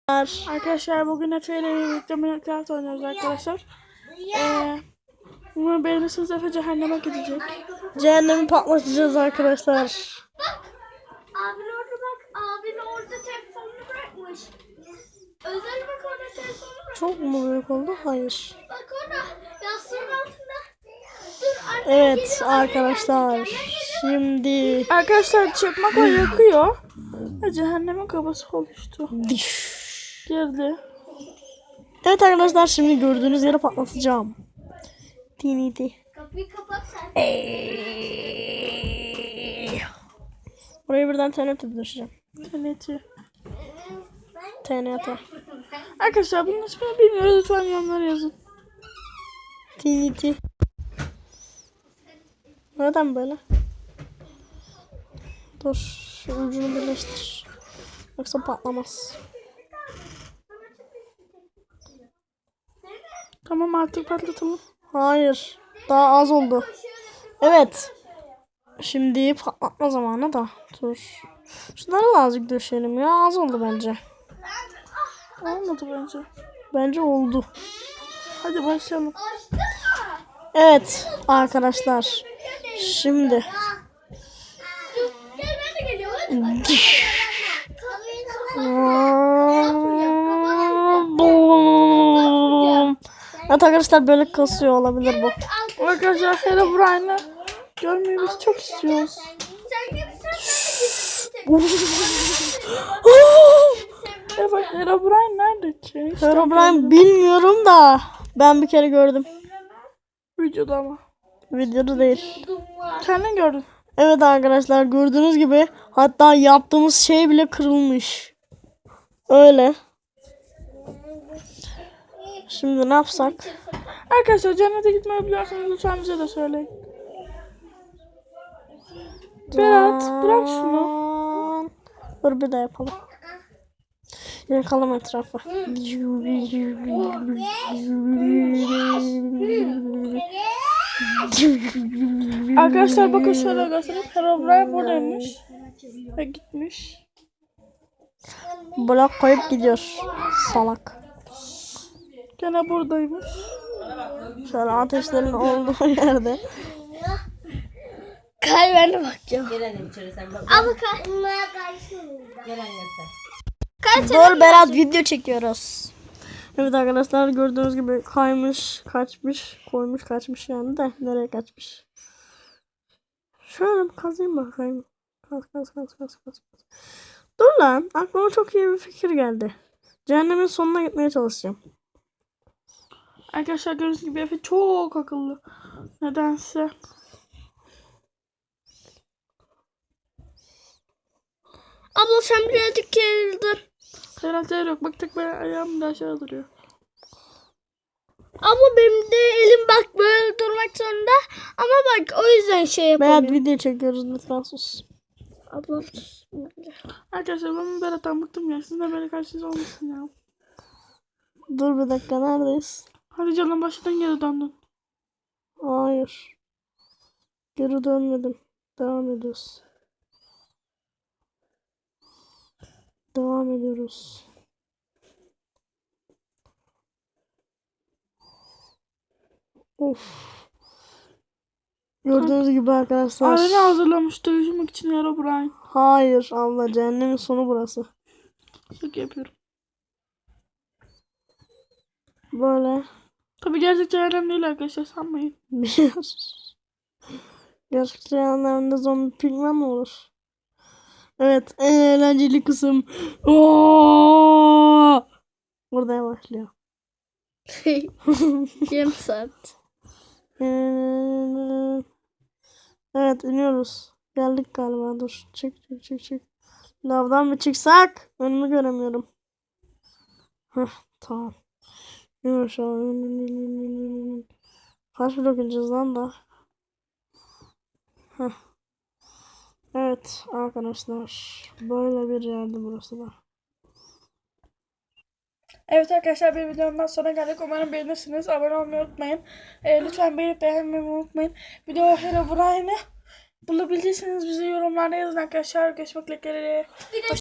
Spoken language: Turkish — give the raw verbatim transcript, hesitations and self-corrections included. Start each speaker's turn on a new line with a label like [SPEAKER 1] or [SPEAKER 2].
[SPEAKER 1] Arkadaşlar bugün Efe ile birlikte Minecraft oynuyoruz arkadaşlar. Ee, umarım beğenirsiniz. Efe cehenneme gidecek.
[SPEAKER 2] Cehennemi patlatacağız arkadaşlar.
[SPEAKER 3] Bak. Abin orada bak. Abin orada telefonunu bırakmış. Özel bak orada telefonunu bırakmış.
[SPEAKER 2] Çok mu büyük oldu? Hayır.
[SPEAKER 3] Bak orada. Yastığın altında. Dur anne.
[SPEAKER 2] Evet
[SPEAKER 3] geliyor, anne
[SPEAKER 2] arkadaşlar.
[SPEAKER 3] geldi, geliyor.
[SPEAKER 2] Şimdi
[SPEAKER 1] Arkadaşlar çakmak o yakıyor. Ve cehennemin kabası oluştu. Girdi.
[SPEAKER 2] Evet arkadaşlar şimdi gördüğünüz yere patlatacağım. Tiniti.
[SPEAKER 3] Kapıyı kapat sen.
[SPEAKER 2] Buraya birden T N T düşeceğim.
[SPEAKER 1] Teneti.
[SPEAKER 2] T N T.
[SPEAKER 1] Arkadaşlar bunun ismini bilmiyoruz. Lütfen yorumlara yazın.
[SPEAKER 2] Tiniti. Neden böyle? Dur şu ucunu birleştir. Yoksa patlamaz.
[SPEAKER 1] Tamam artık patlatalım.
[SPEAKER 2] Hayır. Daha az oldu. Evet. Şimdi patlatma zamanı da. Dur. Şunları da azıcık döşeyelim ya. Az oldu bence.
[SPEAKER 1] Olmadı bence.
[SPEAKER 2] Bence oldu.
[SPEAKER 1] Hadi başlayalım.
[SPEAKER 3] Açtın mı?
[SPEAKER 2] Evet arkadaşlar. Şimdi.
[SPEAKER 3] Dur. Gel ben de geliyorum. Hadi bak. Kapıyı kapat.
[SPEAKER 2] Evet arkadaşlar böyle kasıyor olabilir bu.
[SPEAKER 1] Arkadaşlar Herobrine'ı görmeyi biz çok istiyoruz.
[SPEAKER 3] Sen gelirsen
[SPEAKER 1] Evet Herobrine nerede ki? İşte
[SPEAKER 2] Herobrine bilmiyorum da ben bir kere gördüm.
[SPEAKER 1] videoda ama.
[SPEAKER 2] Videoda değil.
[SPEAKER 1] Kendin gördün.
[SPEAKER 2] Evet arkadaşlar gördüğünüz gibi hatta yaptığımız şey bile kırılmış. Öyle. Şimdi ne yapsak?
[SPEAKER 1] Arkadaşlar cennete gitmeyi biliyorsanız lütfen bize de söyleyin. Berat bırak şunu.
[SPEAKER 2] Dur bir de yapalım. Yakalım etrafı.
[SPEAKER 1] Arkadaşlar bakın şöyle göstereyim. Herobrine buradaymış. Ve gitmiş.
[SPEAKER 2] Blok koyup gidiyor. Salak.
[SPEAKER 1] Gene buradaymış.
[SPEAKER 2] Şöyle ateşlerin olduğu yerde.
[SPEAKER 3] Kay ben de bakacağım.
[SPEAKER 4] Gel annem içeri sen bak.
[SPEAKER 3] Ama kay.
[SPEAKER 4] Gel annem sen.
[SPEAKER 2] Dur Berat video çekiyoruz. Evet arkadaşlar gördüğünüz gibi kaymış, kaçmış, koymuş, kaçmış yani de nereye kaçmış? Şöyle bir kazayım bakayım. Kaz kaz kaz kaz kaz. Dur lan aklıma çok iyi bir fikir geldi. Cehennemin sonuna gitmeye çalışacağım.
[SPEAKER 1] Arkadaşlar gördüğünüz gibi Efe çok akıllı. Nedense.
[SPEAKER 3] Abla sen birazcık gerildin.
[SPEAKER 1] Herhalde yok. Bak tek ben ayağım da aşağı duruyor.
[SPEAKER 3] Abla benim de elim bak böyle durmak zorunda. Ama bak o yüzden şey
[SPEAKER 2] Berat
[SPEAKER 3] yapamıyorum.
[SPEAKER 2] video çekiyoruz lütfen sus.
[SPEAKER 3] Ablam.
[SPEAKER 1] Arkadaşlar ben Berat'tan bıktım ya. Sizin de böyle karşınıza olmasın ya.
[SPEAKER 2] Dur bir dakika neredeyiz?
[SPEAKER 1] Hadi canım başından geri döndün.
[SPEAKER 2] Hayır. Geri dönmedim. Devam ediyoruz. Devam ediyoruz. Of. Gördüğünüz gibi arkadaşlar.
[SPEAKER 1] Arena hazırlamış dövüşmek için Herobrine.
[SPEAKER 2] Hayır abla cehennemin sonu burası.
[SPEAKER 1] Şaka yapıyorum.
[SPEAKER 2] Böyle.
[SPEAKER 1] Tabi gerçek cehennem değil arkadaşlar sanmayın.
[SPEAKER 2] Bir gerçek cehennemde zombi pigmen mi olur? Evet en eğlenceli kısım. Oo! Burada başlıyor.
[SPEAKER 3] Yarım saat.
[SPEAKER 2] Evet iniyoruz. Geldik galiba dur. Çık çık çık çık. Lavdan mı çıksak? Önümü göremiyorum. Heh tamam. İn aşağı. İn, in, in, in, in, in. Kaç blok ineceğiz lan da? Heh. Evet arkadaşlar. Böyle bir yerde burası da.
[SPEAKER 1] Evet arkadaşlar bir videomdan sonra geldik. Umarım beğenirsiniz. Abone olmayı unutmayın. Ee, lütfen beğenip beğenmeyi unutmayın. Video Herobrine'ı bulabilirsiniz. Bize yorumlarda yazın arkadaşlar. Görüşmek üzere.